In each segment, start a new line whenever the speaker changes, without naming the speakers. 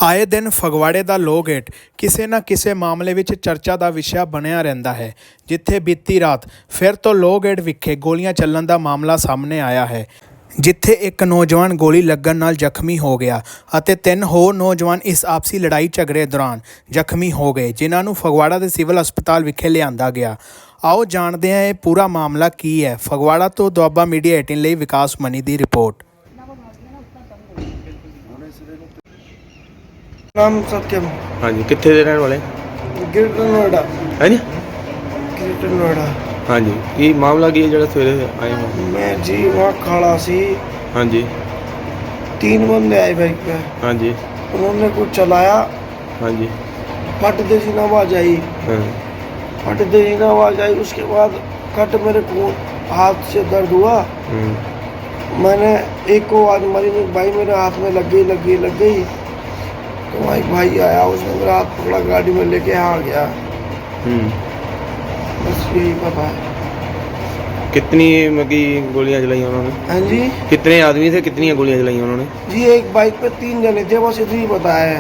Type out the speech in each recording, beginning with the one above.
ਆਏ ਦਿਨ ਫਗਵਾੜੇ ਦਾ low gate ਕਿਸੇ ਨਾ ਕਿਸੇ ਮਾਮਲੇ ਵਿੱਚ ਚਰਚਾ ਦਾ ਵਿਸ਼ਾ ਬਣਿਆ ਰਹਿੰਦਾ ਹੈ। ਜਿੱਥੇ ਬੀਤੀ ਰਾਤ ਫਿਰ ਤੋਂ ਲੋਅ ਗੇਟ ਵਿਖੇ ਗੋਲੀਆਂ ਚੱਲਣ ਦਾ ਮਾਮਲਾ ਸਾਹਮਣੇ ਆਇਆ ਹੈ, ਜਿੱਥੇ ਇੱਕ ਨੌਜਵਾਨ ਗੋਲੀ ਲੱਗਣ ਨਾਲ ਜ਼ਖਮੀ ਹੋ ਗਿਆ ਅਤੇ 3 ਹੋਰ ਨੌਜਵਾਨ ਇਸ ਆਪਸੀ ਲੜਾਈ ਝਗੜੇ ਦੌਰਾਨ ਜ਼ਖਮੀ ਹੋ ਗਏ, ਜਿਨ੍ਹਾਂ ਨੂੰ ਫਗਵਾੜਾ ਦੇ ਸਿਵਲ ਹਸਪਤਾਲ ਵਿਖੇ ਲਿਆਂਦਾ ਗਿਆ। ਆਓ ਜਾਣਦੇ ਹਾਂ ਇਹ ਪੂਰਾ ਮਾਮਲਾ ਕੀ ਹੈ। ਫਗਵਾੜਾ ਤੋਂ ਦੁਆਬਾ ਮੀਡੀਆ 18 ਲਈ ਵਿਕਾਸ ਮਨੀ ਦੀ ਰਿਪੋर्ट।
नाम सत्यम।
हाँ जी, कितने दे रहने वाले?
ग्रेटर नोएडा।
है जी?
ग्रेटर नोएडा।
हाँ जी, ये मामला की है जरा सवेरे आए हो?
मैं जी वहाँ खड़ा सी,
हाँ जी
3 बंदे आए बाइक पे।
हाँ जी
उन्होंने कुछ चलाया,
हाँ जी
फट दे सी ना आवाज आई,
हाँ
फट दे सी ना आवाज आई। उसके बाद कट मेरे को हाथ से दर्द हुआ। मैंने एक को आवाज मारी, भाई मेरे हाथ में लग गई। तो वहाँ एक भाई आया, उसने मेरा हाथ पकड़ा, गाड़ी में लेके आ गया। बस यही पता है।
कितनी मगी गोलियां चलाई उन्होंने?
हाँ जी
कितने आदमी थे, कितनी गोलियां चलाई उन्होंने?
जी एक बाइक पे 3 जने थे, बस इतना ही पता है।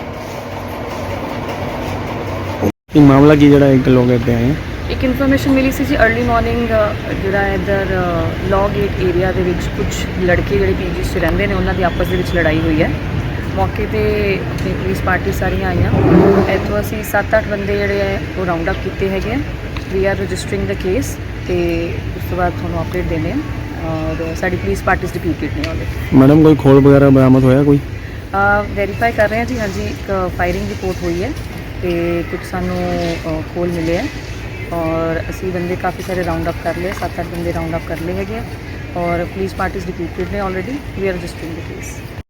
ये मामला की जरा एक लोग कहते हैं
ਇੱਕ ਇਨਫੋਰਮੇਸ਼ਨ ਮਿਲੀ ਸੀ ਜੀ अर्ਲੀ ਮਾਰਨਿੰਗ ਜਿਹੜਾ ਇੱਧਰ ਲੌ ਗੇਟ ਏਰੀਆ ਦੇ ਵਿੱਚ ਕੁਝ ਲੜਕੇ ਜਿਹੜੇ ਪੀਜੀਸ 'ਚ ਰਹਿੰਦੇ ਨੇ ਉਹਨਾਂ ਦੀ ਆਪਸ ਦੇ ਵਿੱਚ ਲੜਾਈ ਹੋਈ ਹੈ। ਮੌਕੇ ਤੇ ਆਪਣੀ ਪੁਲਿਸ ਪਾਰਟੀ ਸਾਰੀਆਂ ਆਈਆਂ। ਇੱਥੋਂ ਅਸੀਂ 7-8 ਬੰਦੇ ਜਿਹੜੇ ਹੈ ਉਹ ਰਾਉਂਡ ਅਪ ਕੀਤੇ ਹੈਗੇ ਆ। ਵੀ ਆਰ ਰਜਿਸਟਰਿੰਗ ਦਾ ਕੇਸ ਤੇ ਉਸ ਤੋਂ ਬਾਅਦ ਤੁਹਾਨੂੰ ਅਪਡੇਟ ਦੇਣੇ ਆ। ਔਰ ਸਾਡੀ ਪੁਲਿਸ ਪਾਰਟੀਜ਼ ਡਿਪਿਊਟਡ ਨੇ ਆਲਰੇਡੀ।
मैडम कोई खोल वगैरह बरामद होया कोई?
ਵੈਰੀਫਾਈ ਕਰ ਰਹੇ ਹਾਂ ਜੀ। ਹਾਂਜੀ ਇੱਕ ਫਾਇਰਿੰਗ ਰਿਪੋर्ट ਹੋਈ ਹੈ ਤੇ ਕੁਝ ਸਾਨੂੰ ਖੋਲ ਮਿਲੇ ਹੈ और असी बंदे काफ़ी सारे राउंड अप कर लिए, 7-8 बंदे राउंड अप कर लिए हैं और पुलिस पार्टीज डिप्यूटेड ने already. We are registering the case.